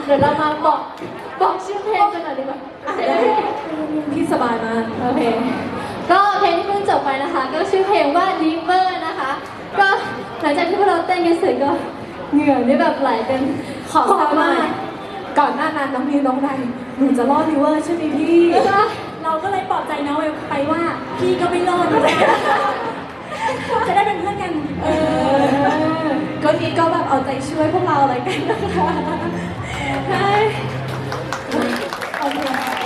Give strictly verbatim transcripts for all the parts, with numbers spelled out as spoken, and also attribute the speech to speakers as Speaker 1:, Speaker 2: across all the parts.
Speaker 1: เดี๋ยวเรามาบอกบอกชื่อเพลงกันหน่อยดีกว่า
Speaker 2: พี่สบายมาก
Speaker 1: โอเคก็เพลงที่เพิ่งจบไปนะคะก็ชื่อเพลงว่า River นะคะก็หลังจากที่พวกเราเต้นกันเสร็จก็เหงื่อนี่แบบไหลเป็นขอบสามารถ
Speaker 2: ก่อนหน้านั้นน้องนิวน้องนายหนูจะรอดริเวอร์ใช่ไหมพี่เราก็เลยปลอบใจน้องไปว่าพี่ก็ไม่รอดนะจะได้เป็นเพื่อนกันเออก็นี้ก็แบบเอาใจช่วยพวกเราอะไรกันนะคะใช่โอเค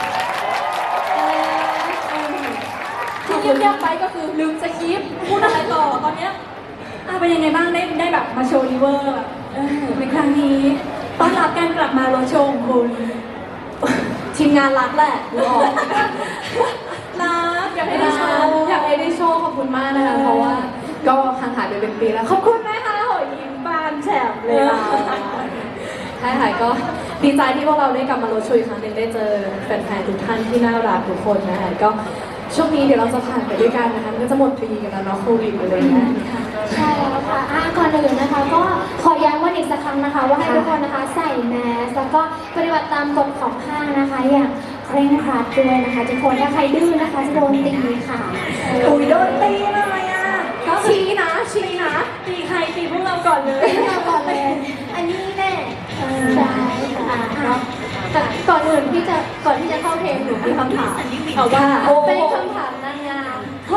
Speaker 2: ที่เงียบๆไปก็คือลืมสคริปต์พูดอะไรต่อตอนเนี้ยอ่ะเป็นยังไงบ้างได้ได้แบบมาโชว์ริเวอร์แบบในครั้งนี้ต้อนรับการกลับมาโรโชว์ของคุณทีมงานรักแหละรู้ออกรักอยากให้ได้โชว์อยากให้ได้โชว์ขอบคุณมากนะคะเพราะว่าก็ห่างหายไปเป็นปีแล้วขอบคุณนะคะหอยยิ้มบานแฉบเลยค่ะใช่ค่ะก็ดีใจที่พวกเราได้กลับมาโรโชว์อีกครั้งหนึ่งได้เจอแฟนๆทุกท่านที่น่ารักทุกคนนะคะก็ช่วงนี้เดี๋ยวเราจะผ่านไปด้วยกันนะคะก็จะหมดปีกันแล้วเนาะโควิดไปเลยนะ
Speaker 1: ใช่แล้วค่ะอ่ะก่อนอื่นนะคะก็ขอย้ำวันอีกสักครั้งนะคะว่าให้ทุกคนนะคะใส่แมสแล้วก็ปฏิบัติตามกฎของห้างนะคะอย่างเคร่งครัดด้วยนะคะทุกคนถ้าใครดื้อนะคะจะโดนตีค่ะ
Speaker 2: อุ้ยโดนตีเลยอ่ะก็ชี้นะชี้นะตีใครตีพวกเราก่อนเลย
Speaker 1: พวกเราก่อนเลยอันนี้แน่ใช่ค่ะแต่ก่อนอื่นที่จะก่อนที่จะเข้าเพลงหนูมีคำถาม
Speaker 2: เอาว่า
Speaker 1: เป็นคำถามนางงาม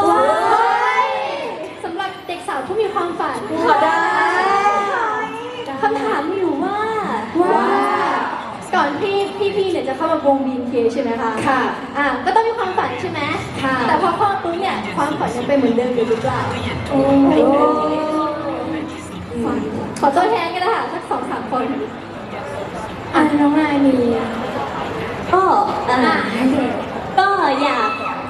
Speaker 1: สำหรับเด็กสาวที่มีความฝัน
Speaker 2: ได้
Speaker 1: คำถามมีอยู่ว่าว่าก่อนที่พี่ๆเนี่ยจะเข้ามาวง บี เอ็น เค ใช่ไหมคะ
Speaker 2: ค่ะ
Speaker 1: อ่ะก็ต้องมีความฝันใช่ไหม
Speaker 2: ค่ะ
Speaker 1: แต่พอเข้าปุ๊บเนี่ยความฝันยังเป็นเหมือนเดิมอยู่หรือเปล่า
Speaker 2: โอ้
Speaker 1: ขอตัวแทนกันนะคะสักสองสามคนอ่ะน้องนายมี
Speaker 3: ก็อ่าก็อยาก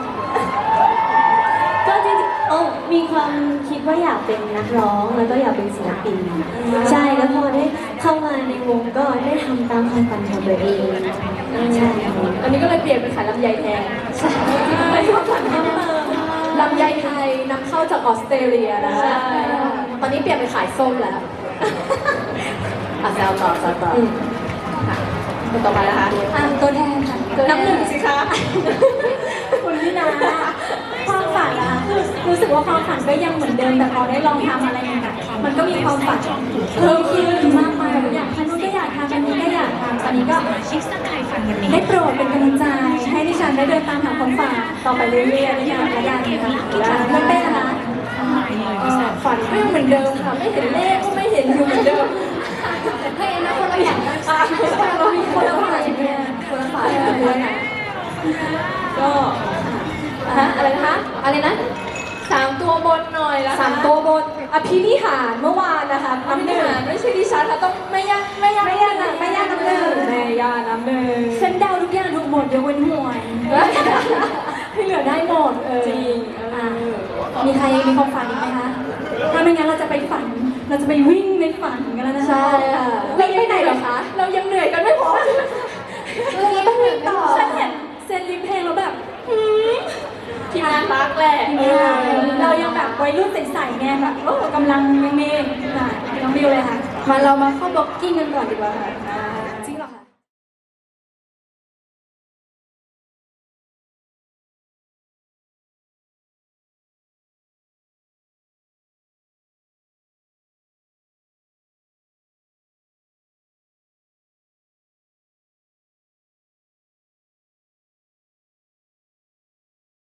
Speaker 3: ก็จริงๆโอ้มีความคิดว่าอยากเป็นนักร้องแล้วก็อยากเป็นศิลปินใช่แล้วพอได้เข้ามาในวงก็ได้ทำตามความฝันของตัวเองใช่
Speaker 2: อันนี้ก็เลยเปลี่ยนเป็นขายลำไยแทนใช่ไม่ความฝันเพิ่มเติมลำไยไทยนำเข้าจากออสเตรเลียนะตอนนี้เปลี่ยนเป็นขายส้มแล้วอ่ะแซวต่อแซวต่อคนต่อไปนะคะ
Speaker 1: อ่ะตัวแทนค่ะ
Speaker 2: น้ำหนึ่งสิคะคุณพี่นาความฝันอะคือรู้สึกว่าความฝันก็ยังเหมือนเดิมแต่พอได้ลองทำอะไรใหม่ๆมันก็มีความฝันเพิ่มขึ้นมากมายอยากทำนู้นก็อยากทำอันนี้ก็อยากทำตอนนี้ก็ได้โปรดเป็นกำลังใจให้ดิฉันได้เดินตามหาความฝันต่อไปเรื่อยๆในการระยะนี้ค่ะไม่เป็นนะฝันก็ยังเหมือนเดิมค่ะไม่เห็นเลขก็ไม่เห็นอยู่เหมือนเดิม
Speaker 1: ให้นะคนละอย่างนะ
Speaker 2: เรามีคนละฝ่ายเนี่ยคนละฝ่ายเลยนะก็ฮะอะไรนะคะอะไรนะสามตัวบนหน่อยละสามตัวบนอภินิหารเมื่อวานนะคะน้ำหนึ่งไม่ใช่ดิฉันค่ะต้องไม่ยากไม่ยากไม่ยากไม่ยากน้ำหนึ่งแม่ยาน้ำหนึ่งฉันเดาทุกอย่างถูกหมดยกเว้นหวยให้เหลือได้หมดจริงมีใครมีความฝันอีกไหมคะถ้าไม่งั้นเราจะไปฝันเราจะไปวิ่งในฝันกันแล้วนะ
Speaker 1: ใช่ค่ะ
Speaker 2: วิ่งไปไหนเหรอคะเรายังเหนื่อยกันไม่พอ
Speaker 1: เราต้องวิ่งต่อ
Speaker 2: ฉันเห็นเซนลิปเพลงแล้วแบบทีมงานรักแหละเรายังแบบวัยรุ่นใสๆไงแบบโอ้กำลังเมย์ๆน้องบิวเลยค่ะ
Speaker 1: มาเรามาเข้าบ็อกกิ้งกันก่อนดีกว่าค่ะ